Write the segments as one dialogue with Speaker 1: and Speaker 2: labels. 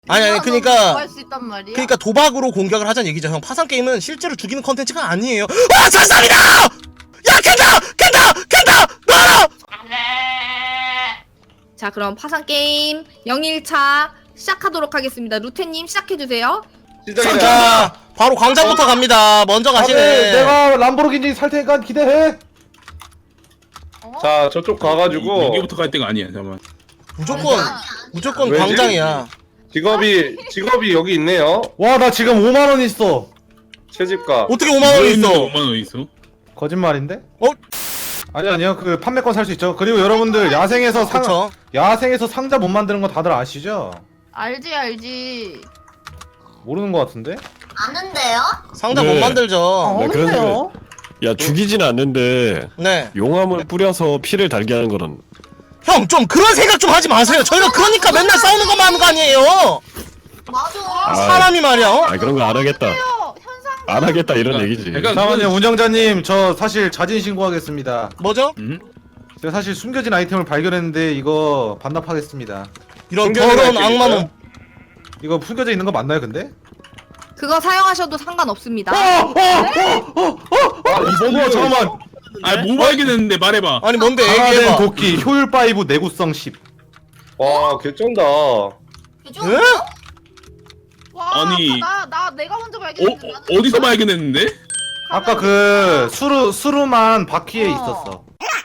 Speaker 1: 아니
Speaker 2: 뭐 할 수 있단 말이야?
Speaker 1: 그러니까 도박으로 공격을 하자는 얘기죠 형. 파산 게임은 실제로 죽이는 컨텐츠가 아니에요. 와 자살이다! 야 캔다! 놔라!
Speaker 3: 자, 그럼 파산 게임 0일차 시작하도록 하겠습니다. 루테님 시작해주세요.
Speaker 1: 자 바로 광장부터 갑니다. 먼저 가시네.
Speaker 4: 내가 람보르기니 살 테니까 기대해.
Speaker 5: 자 저쪽 가가지고
Speaker 6: 여기부터 갈 때가 아니야. 잠깐만.
Speaker 1: 무조건
Speaker 5: 왜지?
Speaker 1: 광장이야.
Speaker 5: 직업이 여기 있네요.
Speaker 4: 와, 나 지금 5만 원 있어.
Speaker 5: 채집가.
Speaker 1: 어떻게 5만 원 있어?
Speaker 6: 5만 원 있어?
Speaker 4: 거짓말인데?
Speaker 1: 어?
Speaker 4: 아니요. 그 판매권 살 수 있죠. 그리고 여러분들 야생에서
Speaker 1: 그쵸?
Speaker 4: 야생에서 상자 못 만드는 거 다들 아시죠?
Speaker 2: 알지.
Speaker 4: 모르는 거 같은데?
Speaker 7: 아는데요?
Speaker 1: 상자
Speaker 8: 네.
Speaker 1: 못 만들죠.
Speaker 8: 네, 그런데 야 죽이진 않는데
Speaker 1: 네.
Speaker 8: 용암을 뿌려서 피를 달게 하는 거는
Speaker 1: 형 좀 그런 생각 좀 하지 마세요. 저희가 그러니까 맨날 싸우는 것만 하는 거 아니에요.
Speaker 7: 맞아.
Speaker 1: 사람이 말이야. 어?
Speaker 8: 아 그런 거 안 하겠다
Speaker 2: 현상.
Speaker 8: 안 하겠다 이런
Speaker 6: 그러니까
Speaker 8: 얘기지.
Speaker 6: 약간
Speaker 4: 잠깐만요, 운영자님. 저 사실 자진 신고하겠습니다.
Speaker 1: 뭐죠?
Speaker 4: 제가 사실 숨겨진 아이템을 발견했는데 이거 반납하겠습니다.
Speaker 1: 이런
Speaker 5: 숨겨진
Speaker 1: 더러운
Speaker 5: 아이템
Speaker 1: 악마놈.
Speaker 4: 이거 숨겨져 있는 거 맞나요, 근데?
Speaker 3: 그거 사용하셔도 상관없습니다.
Speaker 4: 이거 잠깐만.
Speaker 6: 아뭐 발견했는데 말해봐.
Speaker 1: 아니 뭔데
Speaker 4: 강화된
Speaker 1: 얘기해봐.
Speaker 4: 도끼 효율 5 내구성 10.
Speaker 5: 와 개쩐다.
Speaker 7: 그죠?
Speaker 1: 응?
Speaker 2: 와,
Speaker 6: 아니.
Speaker 2: 내가 먼저 발견했는데. 나는
Speaker 6: 어디서 발견했는데?
Speaker 4: 아까 그 수루만 바퀴에 있었어.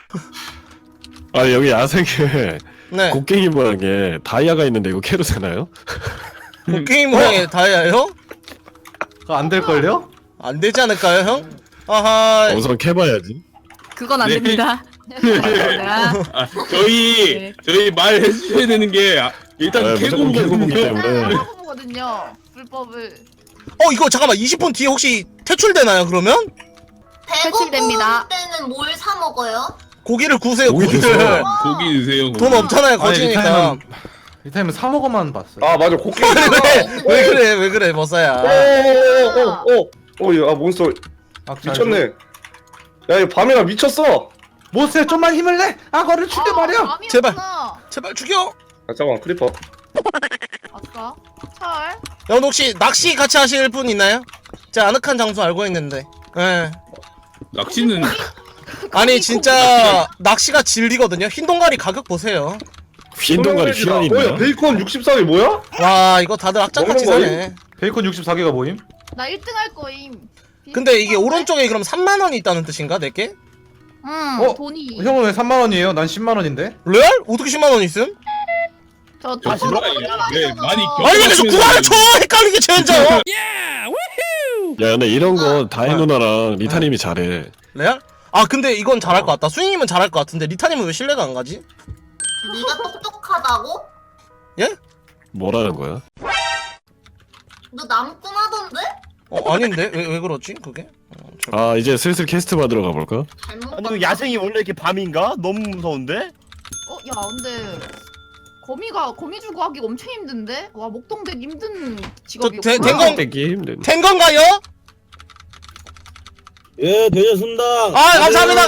Speaker 8: 아 여기 야생에
Speaker 1: 네.
Speaker 8: 곡괭이 모양에 다이아가 있는데 이거 캐도 되나요?
Speaker 1: 게임 모양의 다이아요?
Speaker 4: 그거 안 될걸요?
Speaker 1: 안 되지 않을까요 형? 아하.
Speaker 8: 우선 캐봐야지.
Speaker 3: 그건 안
Speaker 6: 네.
Speaker 3: 됩니다.
Speaker 6: 아, 저희 말해주셔야 되는 게 일단
Speaker 8: 아, 무조건 캐고보기
Speaker 6: 캐고거든요.
Speaker 8: 때문에.
Speaker 2: 거든요. 불법을.
Speaker 1: 이거 잠깐만 20분 뒤에 혹시 퇴출되나요 그러면?
Speaker 7: 배고플
Speaker 3: 퇴출됩니다.
Speaker 7: 때는 뭘 사 먹어요?
Speaker 1: 고기를 구세요
Speaker 8: 고기
Speaker 1: 고기를.
Speaker 8: 드세요.
Speaker 6: 고기 드세요.
Speaker 1: 돈 없잖아요 거지니까.
Speaker 4: 이 타임은 사 먹어만 봤어요.
Speaker 5: 아 맞아 곡괭이.
Speaker 1: 왜 그래 머싸야.
Speaker 5: 오오오오오야 몬스터
Speaker 4: 악잘
Speaker 5: 미쳤네. 야 이거 밤이가 미쳤어.
Speaker 4: 모스에 좀만 힘을 내! 악어를 죽여 말이야!
Speaker 1: 제발. 제발 죽여.
Speaker 5: 아 잠깐 크리퍼.
Speaker 2: 아까 철.
Speaker 1: 형 혹시 낚시 같이 하실 분 있나요? 제가 아늑한 장소 알고 있는데. 예.
Speaker 6: 낚시는
Speaker 1: 아니 진짜 낚시가 진리거든요. 흰 동가리 가격 보세요.
Speaker 8: 흰 동가리 휘어있네.
Speaker 5: 뭐야 베이컨 64개 뭐야?
Speaker 1: 와 이거 다들 악장같이
Speaker 5: 먹는
Speaker 1: 사네.
Speaker 4: 베이컨 64개가 모임?
Speaker 2: 나 1등 할 거임.
Speaker 1: 근데 이게 오른쪽에 그럼 3만 원이 있다는 뜻인가 내게?
Speaker 2: 응. 돈이.
Speaker 4: 형은 왜 3만 원이에요? 난 10만 원인데?
Speaker 1: 레알? 어떻게 10만 원 있음?
Speaker 2: 저
Speaker 6: 아,
Speaker 2: 저거
Speaker 6: 왜 많이
Speaker 1: 아니 왜 계속 구라를 쳐! 헷갈리게 쟤혼자.
Speaker 8: 야 근데 이런 거 다혜 누나랑 리타님이 잘해.
Speaker 1: 레알? 아 근데 이건 잘할 것 같다. 수인님은 잘할 것 같은데 리타님은 왜 신뢰가 안 가지?
Speaker 7: 네가 똑똑하다고?
Speaker 1: 예?
Speaker 8: 뭐라는 거야?
Speaker 7: 너 남꿈하던데?
Speaker 1: 아닌데? 왜 그렇지 그게?
Speaker 8: 아 이제 슬슬 캐스트 받으러 가볼까?
Speaker 7: 잘못
Speaker 9: 아니 그 야생이 원래 이렇게 밤인가? 너무 무서운데?
Speaker 2: 야 근데 거미 주고 하기 엄청 힘든데? 와 목동대 힘든 직업이었구나.
Speaker 1: 된 건-
Speaker 8: 떼기 힘든.
Speaker 1: 된 건가요?
Speaker 9: 예, 되셨습니다.
Speaker 1: 아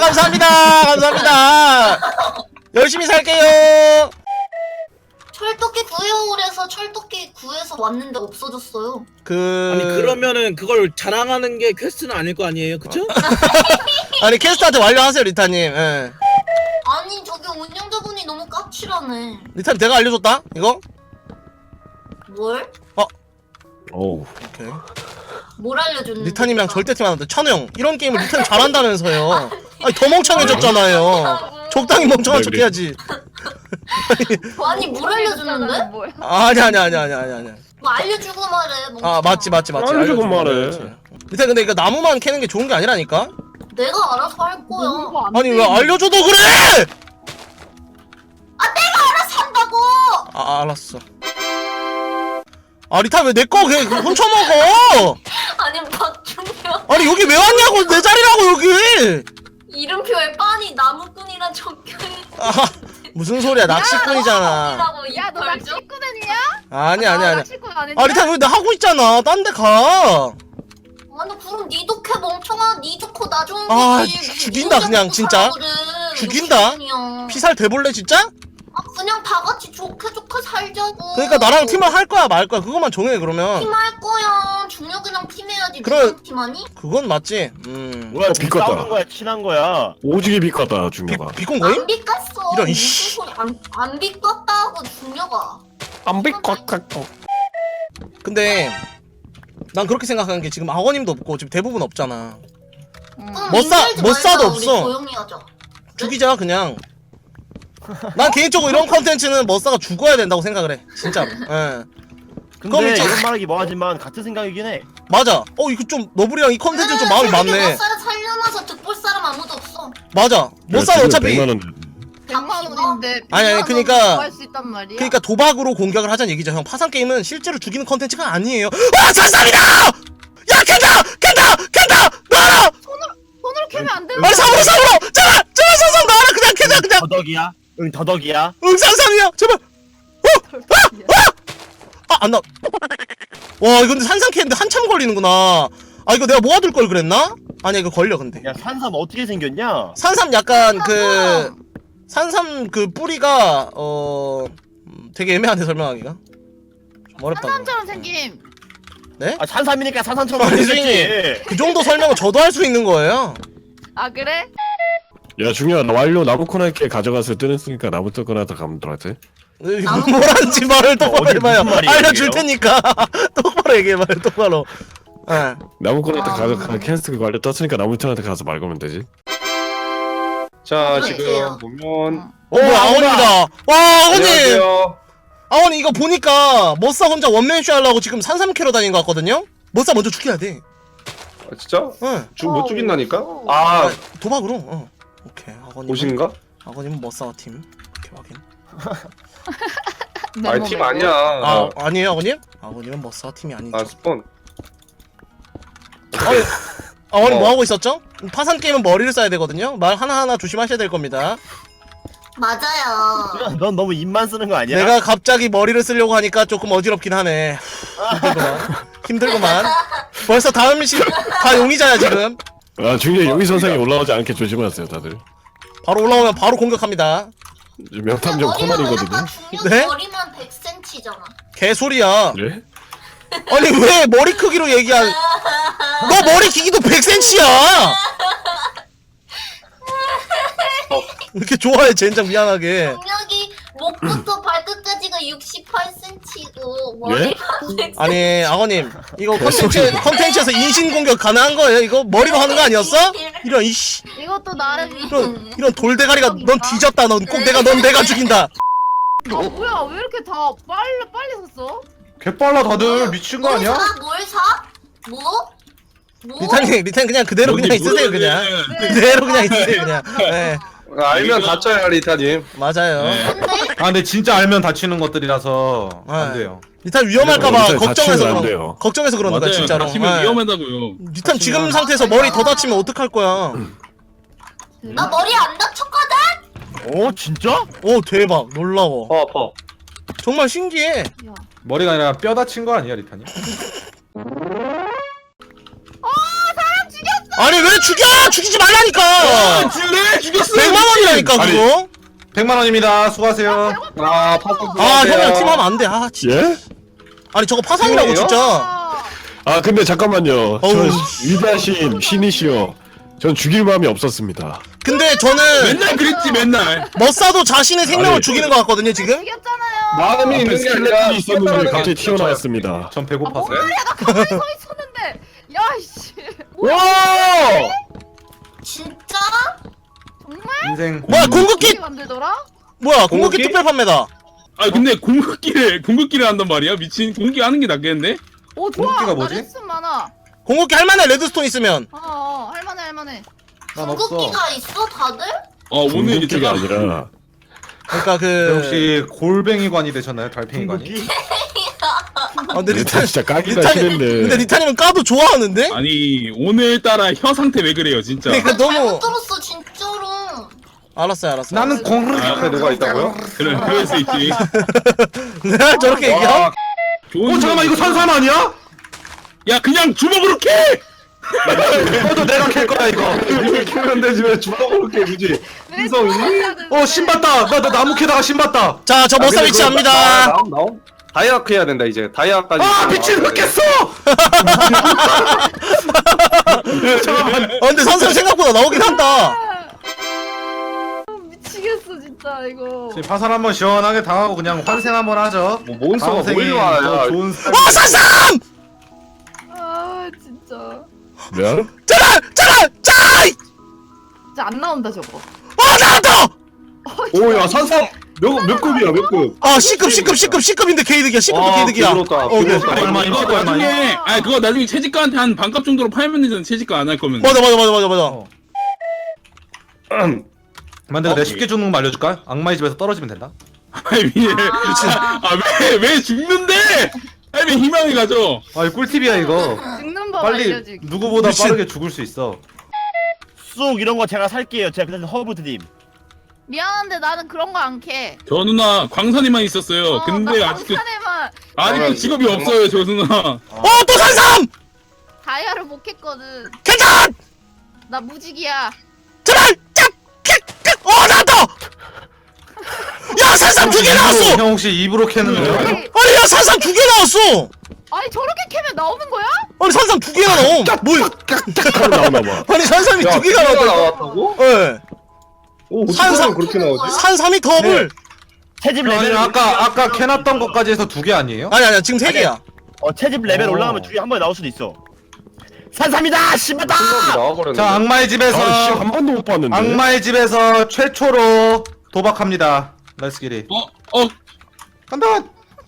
Speaker 1: 감사합니다. 열심히 살게요.
Speaker 7: 철도끼 구해오래서 철도끼 구해서 왔는데 없어졌어요.
Speaker 9: 아니 그러면은 그걸 자랑하는 게 퀘스트는 아닐 거 아니에요, 그쵸?
Speaker 1: 아니 캐스트한테 완료하세요 리타님. 예.
Speaker 7: 아니 저기 운영자분이 너무 까칠하네.
Speaker 1: 리타님 내가 알려줬다 이거?
Speaker 7: 뭘?
Speaker 8: 어우.
Speaker 1: 오케이.
Speaker 7: 뭘 알려줬는데?
Speaker 1: 리타님이랑 절대 팀 안 하는데 찬우 형 이런 게임을 리타님 잘한다면서요. 아니 더 멍청해졌잖아요. 적당히 멍청한 척
Speaker 8: 그래.
Speaker 1: 해야지.
Speaker 7: 아니 뭘 알려줬는데?
Speaker 2: 뭐야?
Speaker 1: 아니.
Speaker 7: 뭐 알려주고 말해.
Speaker 1: 아 맞지.
Speaker 8: 알려주고 말해.
Speaker 1: 리타 근데 이거 나무만 캐는 게 좋은 게 아니라니까?
Speaker 7: 내가 알아서 할 거야.
Speaker 1: 아니 왜 알려줘도 그래!
Speaker 7: 내가 알아서 한다고.
Speaker 1: 알았어. 리타 왜 내 거 그냥 훔쳐먹어!
Speaker 7: 아니 박준영
Speaker 1: 아니 여기 왜 왔냐고 내 자리라고 여기!
Speaker 7: 이름표에 빤히 나무꾼이란 적혀있는.
Speaker 1: 무슨 소리야 낚시꾼이잖아.
Speaker 2: 야 너 낚시꾼이야?
Speaker 1: 아니.
Speaker 2: 낚시꾼 아니야?
Speaker 1: 리타 왜 나 하고 있잖아. 딴 데 가.
Speaker 7: 아니 그럼 니도 캐 멍청아. 니 좋고 나 좋은
Speaker 1: 아,
Speaker 7: 거지.
Speaker 1: 죽인다, 그냥, 진짜. 죽인다? 피살 대볼래 진짜?
Speaker 7: 그냥 다 같이 좋게 살자고.
Speaker 1: 그러니까 나랑 팀을 할 거야 말 거야 그것만 정해 그러면.
Speaker 7: 팀할 거야. 중력이랑 팀해야지.
Speaker 1: 그래.
Speaker 7: 무슨 팀하니?
Speaker 1: 그건 맞지.
Speaker 8: 뭐야 비껐다.
Speaker 10: 싸우는 거야, 친한 거야.
Speaker 8: 오지게 비껐다 중요가.
Speaker 1: 비콘 거임?
Speaker 7: 안 비꼈어.
Speaker 1: 이런,
Speaker 7: 무슨
Speaker 1: 이씨.
Speaker 7: 소리? 안 비꼈다고 중력아.
Speaker 8: 안 비껐다.
Speaker 1: 근데 난 그렇게 생각하는 게 지금 아버님도 없고 지금 대부분 없잖아.
Speaker 7: 그럼
Speaker 1: 못 사-
Speaker 7: 인사하지
Speaker 1: 못
Speaker 7: 말자,
Speaker 1: 사도
Speaker 7: 우리
Speaker 1: 없어.
Speaker 7: 조용히 하자.
Speaker 1: 죽이자 그냥. 난 개인적으로 이런 컨텐츠는 머싸가 죽어야 된다고 생각을 해 진짜로. 예. 그럼
Speaker 10: 근데
Speaker 1: 참-
Speaker 10: 이런 말하기 뭐하지만 같은 생각이긴 해.
Speaker 1: 맞아. 이거 좀 너블이랑 이 컨텐츠 좀 마음이 맞네.
Speaker 7: 살려놔서 득볼 사람 아무도 없어.
Speaker 1: 맞아. 머싸는 어차피
Speaker 8: 100만 원.
Speaker 2: 100만 원인데
Speaker 1: 아니, 그니까-
Speaker 2: 할수 있단 말이야.
Speaker 1: 그러니까 도박으로 공격을 하자는 얘기죠 형. 파산 게임은 실제로 죽이는 컨텐츠가 아니에요. 와 잔상이다! 야 캔다! 나와라!
Speaker 2: 손으로 캐면 안 되는
Speaker 1: 빨리 삼으로! 제발 산상 나와라 그냥 그냥
Speaker 10: 더덕이야? 응, 더덕이야?
Speaker 1: 산상이야 제발. 안 나. 와 이거 근데 산상 캐는데 한참 걸리는구나. 이거 내가 모아둘 걸 그랬나? 아니 이거 걸려 근데.
Speaker 10: 야, 산삼 어떻게 생겼냐?
Speaker 1: 산삼 약간 그 산삼 그 뿌리가 되게 애매한데 설명하기가 좀 어렵다.
Speaker 2: 산삼처럼 생김.
Speaker 10: 아, 산삼이니까 산삼처럼
Speaker 1: 아니,
Speaker 10: 생겼지.
Speaker 1: 그 정도 설명은 저도 할 수 있는 거예요.
Speaker 2: 아 그래?
Speaker 8: 야 중요한 완료 나무 코너에 가져가서 뜨냈으니까 나부터 꺼내다 가면 들어갔지.
Speaker 1: 뭐라는지 말을 똑바로
Speaker 10: 어디
Speaker 1: 해봐요.
Speaker 10: 무슨 말이에요,
Speaker 1: 알려줄
Speaker 10: 이게요?
Speaker 1: 테니까 똑바로 얘기해봐요. 똑바로. 예.
Speaker 8: 나무 코너에 가져가 캔스그 완료 떴으니까 나무 코너에 가서 말 거면 되지.
Speaker 5: 자
Speaker 7: 그래,
Speaker 5: 지금
Speaker 7: 그래요.
Speaker 5: 보면
Speaker 1: 뭐야 아원입니다. 와 아원님.
Speaker 5: 안녕하세요.
Speaker 1: 아원님 이거 보니까 머싸 혼자 원맨쇼 하려고 지금 산삼 캐러 다닌 거 같거든요. 머싸 먼저 죽여야 돼.
Speaker 5: 진짜?
Speaker 1: 응.
Speaker 5: 못 죽인다니까?
Speaker 1: 아,
Speaker 5: 아
Speaker 1: 도박으로. 오케이 아버님.
Speaker 5: 보신가?
Speaker 1: 아버님은 머싸 팀. 오케이 확인.
Speaker 5: 아니 팀 아니야.
Speaker 1: 아니에요 아버님? 아버님은 머싸 팀이 아니죠.
Speaker 5: 스폰.
Speaker 1: 아버님 뭐 하고 있었죠? 파산 게임은 머리를 써야 되거든요. 말 하나하나 조심하셔야 될 겁니다.
Speaker 7: 맞아요.
Speaker 10: 넌 너무 입만 쓰는 거 아니야?
Speaker 1: 내가 갑자기 머리를 쓰려고 하니까 조금 어지럽긴 하네. 힘들구만. 벌써 다음 다 용의자야 지금.
Speaker 8: 아 중요한 용의 선상에 올라오지 않게 조심하세요 다들.
Speaker 1: 바로 올라오면 바로 공격합니다.
Speaker 8: 명탐정 코난이거든요.
Speaker 7: 중력
Speaker 1: 네?
Speaker 7: 머리만 100cm잖아.
Speaker 1: 개소리야.
Speaker 8: 그래?
Speaker 1: 아니 왜 머리 크기로 너 머리 길이도 100cm야. 이렇게 좋아해 젠장 미안하게.
Speaker 7: 중력이 목부터 발끝까지가 68cm고 머리가 100cm.
Speaker 1: 아니 아버님 이거 컨텐츠에서 인신공격 가능한 거예요? 이거 머리로 하는 거 아니었어? 이런 이씨
Speaker 2: 이것도 나름.
Speaker 1: 이런 돌대가리가 넌 뒤졌다. 넌 내가 죽인다.
Speaker 2: 뭐야 왜 이렇게 다 빨리 샀어?
Speaker 4: 개빨라 다들 미친 거 아니야?
Speaker 7: 뭘 사? 뭐?
Speaker 1: 리탄 그냥 그대로 그냥 있으세요 그냥. 그대로 그냥 있으세요 그냥. 네
Speaker 5: 알면 다쳐야 리타님.
Speaker 1: 맞아요.
Speaker 4: 아 근데 진짜 알면 다치는 것들이라서
Speaker 1: 네.
Speaker 4: 안 돼요.
Speaker 1: 리탄 위험할까봐
Speaker 8: 리탄
Speaker 1: 걱정해서
Speaker 8: 다치면 안 돼요.
Speaker 1: 걱정해서 그러는 거야
Speaker 6: 맞아요.
Speaker 1: 진짜로.
Speaker 6: 다치면
Speaker 1: 네.
Speaker 6: 위험하다고요.
Speaker 1: 리탄 지금 상태에서 머리 더 다치면 어떡할 거야?
Speaker 7: 나 머리 안 다쳤거든?
Speaker 10: 어, 진짜?
Speaker 1: 오 대박 놀라워.
Speaker 5: 아파.
Speaker 1: 정말 신기해.
Speaker 4: 머리가 아니라 뼈 다친 거 아니야 리타님?
Speaker 1: 아니 왜 죽이지 말라니까.
Speaker 6: 줄래? 죽였어.
Speaker 1: 100만 원이라니까 그거.
Speaker 4: 100만 원입니다. 수고하세요.
Speaker 1: 형이랑 팀하면 안 돼. 진짜.
Speaker 8: 예?
Speaker 1: 아니 저거 파산이라고
Speaker 5: 팀이에요?
Speaker 1: 진짜.
Speaker 8: 아 근데 잠깐만요. 전
Speaker 1: 어우.
Speaker 8: 위대하신 신이시여. 전 죽일 마음이 없었습니다.
Speaker 1: 근데 저는
Speaker 6: 맨날 그랬지 맨날.
Speaker 1: 머싸도 자신의 생명을
Speaker 8: 아니.
Speaker 1: 죽이는 것 같거든요 지금.
Speaker 2: 죽였잖아요.
Speaker 5: 마음이
Speaker 8: 앞에
Speaker 5: 있는 게 아니라
Speaker 8: 스켈레톤이 있었는데 갑자기 튀어나왔습니다.
Speaker 4: 전 배고팠어요.
Speaker 2: 내가 가만히 서 있었는데. 야이씨.
Speaker 10: 와!
Speaker 7: 진짜?
Speaker 2: 정말?
Speaker 4: 인생
Speaker 1: 뭐야 공급기
Speaker 2: 어떻게 만들더라?
Speaker 1: 뭐야 공급기
Speaker 5: 공급기?
Speaker 1: 특별 판매다.
Speaker 6: 아 근데 공격기를 한단 말이야 미친. 공격기 하는 게 낫겠는데?
Speaker 2: 오 좋아.
Speaker 4: 공기가
Speaker 2: 나
Speaker 4: 뭐지?
Speaker 2: 레슨 많아.
Speaker 1: 공급기 할만해 레드스톤 있으면.
Speaker 2: 할만해.
Speaker 4: 난 없어.
Speaker 7: 궁극기가 있어 다들?
Speaker 6: 오늘 이제
Speaker 8: 궁극기가
Speaker 6: 제가
Speaker 8: 아니라
Speaker 1: 그러니까
Speaker 4: 네, 혹시 골뱅이관이 되셨나요? 달팽이관이?
Speaker 10: 궁극기?
Speaker 1: 근데
Speaker 8: 리탄 진짜 까기가
Speaker 1: 근데
Speaker 8: 싫은데.
Speaker 1: 리타님은 까도 좋아하는데?
Speaker 6: 아니 오늘따라 혀 상태 왜 그래요 진짜.
Speaker 1: 그러니까
Speaker 7: 잘못
Speaker 1: 너무
Speaker 7: 들었어 진짜로.
Speaker 1: 알았어요.
Speaker 4: 나는 공
Speaker 5: 앞에 누가 있다고요?
Speaker 6: 그럴 수 있지.
Speaker 1: 내가 저렇게 얘기함?
Speaker 5: 와,
Speaker 6: 좋은
Speaker 4: 잠깐만 이거 산삼 아니야?
Speaker 6: 야 그냥 주먹으로 캐!
Speaker 4: 이것도 내가 캘 거야 이거.
Speaker 5: 이걸 키우면 되지 왜 주먹으로 이렇게 굳이? 인성 있니?
Speaker 4: 신봤다. 나 나무 캐다가 신봤다.
Speaker 1: 자, 저 머싸 위치합니다.
Speaker 5: 나옴. 다이아크 해야 된다 이제. 다이아까지.
Speaker 4: 아 미친 흑겠어.
Speaker 1: 잠깐만. 근데 선생 생각보다 나오긴 한다.
Speaker 2: 미치겠어 진짜 이거.
Speaker 4: 지금 파산 한번 시원하게 당하고 그냥 환생 한번 하죠.
Speaker 5: 뭐 몬스터가
Speaker 4: 방생이
Speaker 5: 보일와.
Speaker 4: 더
Speaker 5: 야.
Speaker 4: 좋은 삶.
Speaker 1: 산삼!
Speaker 2: 아 진짜.
Speaker 8: 뭐야?
Speaker 1: 짜이!
Speaker 2: 진짜 안 나온다 저거.
Speaker 1: 나왔다!
Speaker 5: 오야 산삼 몇 급이야 몇 급?
Speaker 1: 아, C급인데 개이득이야. C급도 개이득이야.
Speaker 5: 부럽다.
Speaker 1: 오케이.
Speaker 4: 얼마
Speaker 6: 이거
Speaker 4: 이거 얼마?
Speaker 6: 나중에 그거 나중에 채집가한테 한 반값 정도로 팔면 되잖아. 채집가 안 할 거면.
Speaker 1: 맞아.
Speaker 4: 만데 내가 쉽게 죽는 거 알려줄까? 악마의 집에서 떨어지면 된다.
Speaker 6: 왜 죽는데? 왜 희망이 가죠?
Speaker 4: 아 이거 꿀팁이야 이거.
Speaker 2: 죽는 법
Speaker 4: 빨리
Speaker 2: 알려주기.
Speaker 4: 누구보다
Speaker 1: 미친.
Speaker 4: 빠르게 죽을 수 있어.
Speaker 10: 쑥 이런 거 제가 살게요. 제가 그냥 허브 드림.
Speaker 2: 미안한데 나는 그런 거 안 캐.
Speaker 6: 저 누나 광산에만 있었어요. 근데
Speaker 2: 나
Speaker 6: 아직도
Speaker 2: 광산에만
Speaker 6: 직업이 없어요, 저 누나.
Speaker 1: 또 산삼!
Speaker 2: 다이아를 못 캤거든.
Speaker 1: 괜찮!
Speaker 2: 나 무직이야.
Speaker 1: 제발! 나왔다! 야, 산삼 2개 나왔어!
Speaker 4: 형 혹시 입으로 캐는 거야?
Speaker 2: 아니,
Speaker 1: 아니, 야, 산삼 2개 나왔어!
Speaker 2: 아니 저렇게 캐면 나오는 거야?
Speaker 1: 아니, 산삼 2개가 나옴! 뭐야?
Speaker 8: 나오나봐.
Speaker 1: 아니, 산삼이 2개가 나왔다.
Speaker 5: 나왔다고?
Speaker 1: 예.
Speaker 5: 오
Speaker 1: 산삼
Speaker 5: 어떻게 그렇게 나오지?
Speaker 1: 산삼이 더블!
Speaker 10: 채집
Speaker 4: 아니
Speaker 10: 레벨
Speaker 4: 아까 캐놨던 것까지 해서 2개 아니에요?
Speaker 1: 아니, 지금 3개야.
Speaker 10: 채집 레벨 올라가면 두 개 한 번에 나올 수도 있어. 산삼이다. 신봤다.
Speaker 5: 생각이 나와버렸네.
Speaker 4: 자 악마의 집에서
Speaker 8: 한 번도 못 봤는데.
Speaker 4: 악마의 집에서 최초로 도박합니다. 렛츠 기릿. 간다.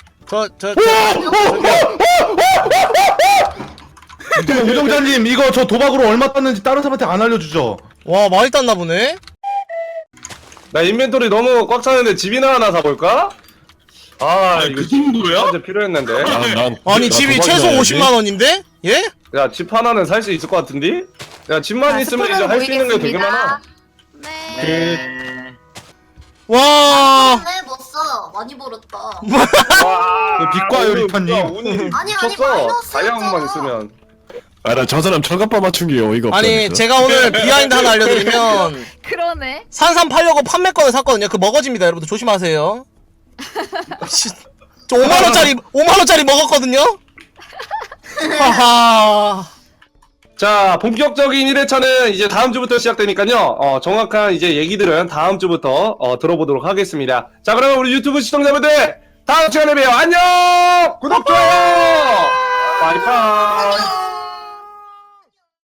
Speaker 4: 우정자님 이거 저 도박으로 얼마 땄는지 다른 사람한테 안 알려주죠?
Speaker 1: 와, 많이 땄나 보네?
Speaker 5: 나 인벤토리 너무 꽉 차는데 집이나 하나 사볼까? 아 이거
Speaker 6: 그 정도야?
Speaker 5: 진짜 필요했는데.
Speaker 1: 아니, 집이 최소 50만원인데? 예?
Speaker 5: 야 집 하나는 살 수 있을 것 같은데? 야 집만 있으면 이제 할 수 있는 게 되게 많아.
Speaker 2: 네.
Speaker 1: 와.
Speaker 7: 네, 못 써. 많이 벌었다.
Speaker 4: 빛과 요리터님.
Speaker 7: 아니,
Speaker 5: 쳤어.
Speaker 7: 마이너스였잖아.
Speaker 5: 다이아몬드만 있으면.
Speaker 8: 나 저 사람 철갑바 맞춘 게 어이가 없다.
Speaker 1: 아니, 제가 오늘 비하인드 하나 알려드리면,
Speaker 2: 그러네.
Speaker 1: 산삼 팔려고 판매권을 샀거든요. 그 먹어집니다. 여러분들 조심하세요. 저 5만원짜리 먹었거든요? 하하.
Speaker 5: 자 본격적인 1회차는 이제 다음 주부터 시작되니까요. 정확한 이제 얘기들은 다음 주부터 들어보도록 하겠습니다. 자 그러면 우리 유튜브 시청자분들 다음 시간에 봬요. 안녕. 구독 좋아요. 바이바이.